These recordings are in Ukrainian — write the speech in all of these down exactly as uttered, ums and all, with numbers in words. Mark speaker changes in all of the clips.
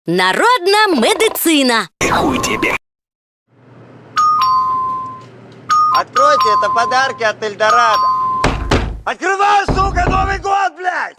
Speaker 1: Народна медицина.
Speaker 2: Хуй тебе.
Speaker 3: Откройте, это подарки от Эльдорадо. Открывай, сука, Новый год, блядь!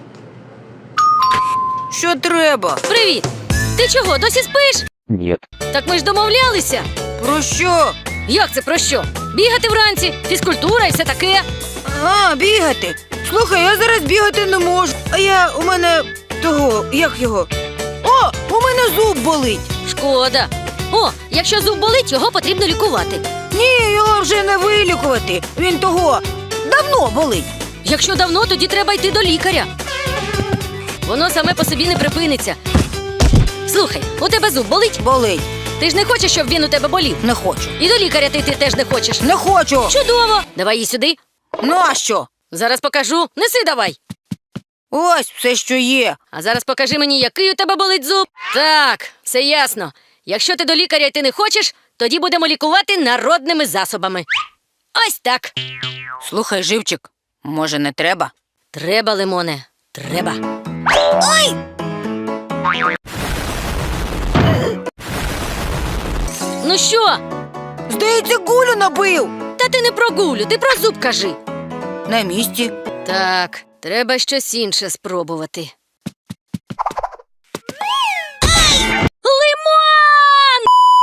Speaker 4: Що треба?
Speaker 1: Привіт! Ти чого, досі спиш?
Speaker 2: Нет.
Speaker 1: Так ми ж домовлялися.
Speaker 4: Про що?
Speaker 1: Як це про що? Бігати вранці, фізкультура і все таке.
Speaker 4: А, бігати. Слухай, я зараз бігати не можу. А я, у мене того, як його? О, у мене зуб болить.
Speaker 1: Шкода. О, якщо зуб болить, його потрібно лікувати.
Speaker 4: Ні, його вже не вилікувати. Він того давно болить.
Speaker 1: Якщо давно, тоді треба йти до лікаря. Воно саме по собі не припиниться. Слухай, у тебе зуб болить?
Speaker 4: Болить.
Speaker 1: Ти ж не хочеш, щоб він у тебе болів?
Speaker 4: Не хочу.
Speaker 1: І до лікаря ти, ти теж не хочеш.
Speaker 4: Не хочу.
Speaker 1: Чудово! Давай її сюди.
Speaker 4: Нащо?
Speaker 1: Зараз покажу. Неси давай.
Speaker 4: Ось все, що є.
Speaker 1: А зараз покажи мені, який у тебе болить зуб. Так, все ясно. Якщо ти до лікаря йти не хочеш, тоді будемо лікувати народними засобами. Ось так.
Speaker 4: Слухай, живчик, може не треба?
Speaker 1: Треба, Лимоне, треба.
Speaker 4: Ой!
Speaker 1: Ну що?
Speaker 4: Здається, гулю набив.
Speaker 1: Та ти не про гулю, ти про зуб кажи.
Speaker 4: На місці.
Speaker 1: Так, треба щось інше спробувати. Лимон!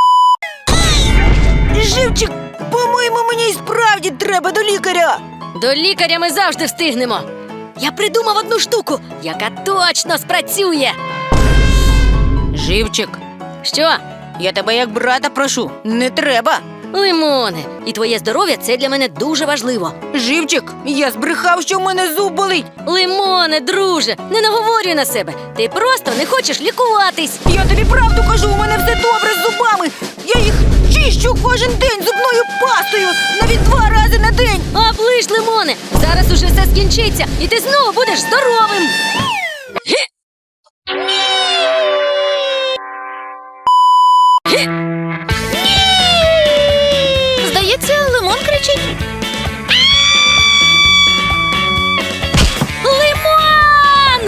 Speaker 4: Живчик, по-моєму, мені й справді треба до лікаря.
Speaker 1: До лікаря ми завжди встигнемо. Я придумав одну штуку, яка точно спрацює.
Speaker 4: Живчик,
Speaker 1: Що?
Speaker 4: я тебе як брата прошу, не треба.
Speaker 1: Лимоне, і твоє здоров'я – це для мене дуже важливо.
Speaker 4: Живчик, я збрехав, що в мене зуб болить.
Speaker 1: Лимоне, друже, не наговорюй на себе. Ти просто не хочеш лікуватись.
Speaker 4: Я тобі правду кажу, у мене все добре з зубами. Я їх чищу кожен день зубною пастою, навіть два рази на день.
Speaker 1: Оближ, Лимоне, зараз уже все скінчиться, і ти знову будеш здоровим.
Speaker 5: Здається, Лимон кричить.
Speaker 1: Лимон!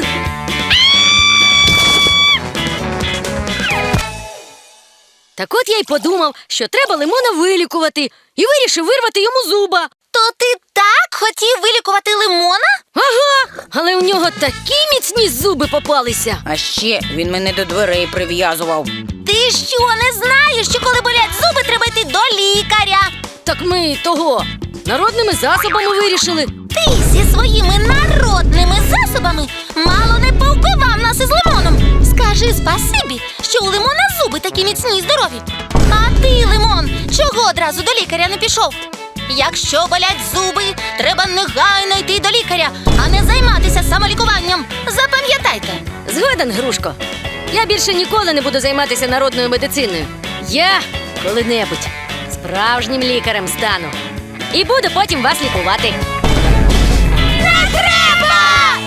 Speaker 1: Так от я й подумав, що треба Лимона вилікувати, і вирішив вирвати йому зуба.
Speaker 5: То ти так хотів вилікувати Лимона?
Speaker 1: Ага, але у нього такі міцні зуби попалися.
Speaker 4: А ще він мене до дверей прив'язував.
Speaker 5: Ти що, не знаєш, що коли болять зуби, треба йти до лікаря?
Speaker 1: Так ми того народними засобами вирішили.
Speaker 5: Ти зі своїми народними засобами мало не повбивав нас із Лимоном. Скажи спасибі, що у Лимона зуби такі міцні й здорові. А ти, Лимон, чого одразу до лікаря не пішов? Якщо болять зуби, треба негайно йти до лікаря, а не займатися самолікуванням. Запам'ятайте.
Speaker 1: Згоден, Грушко. Я більше ніколи не буду займатися народною медициною. Я коли-небудь справжнім лікарем стану. І буду потім вас лікувати.
Speaker 5: Не треба!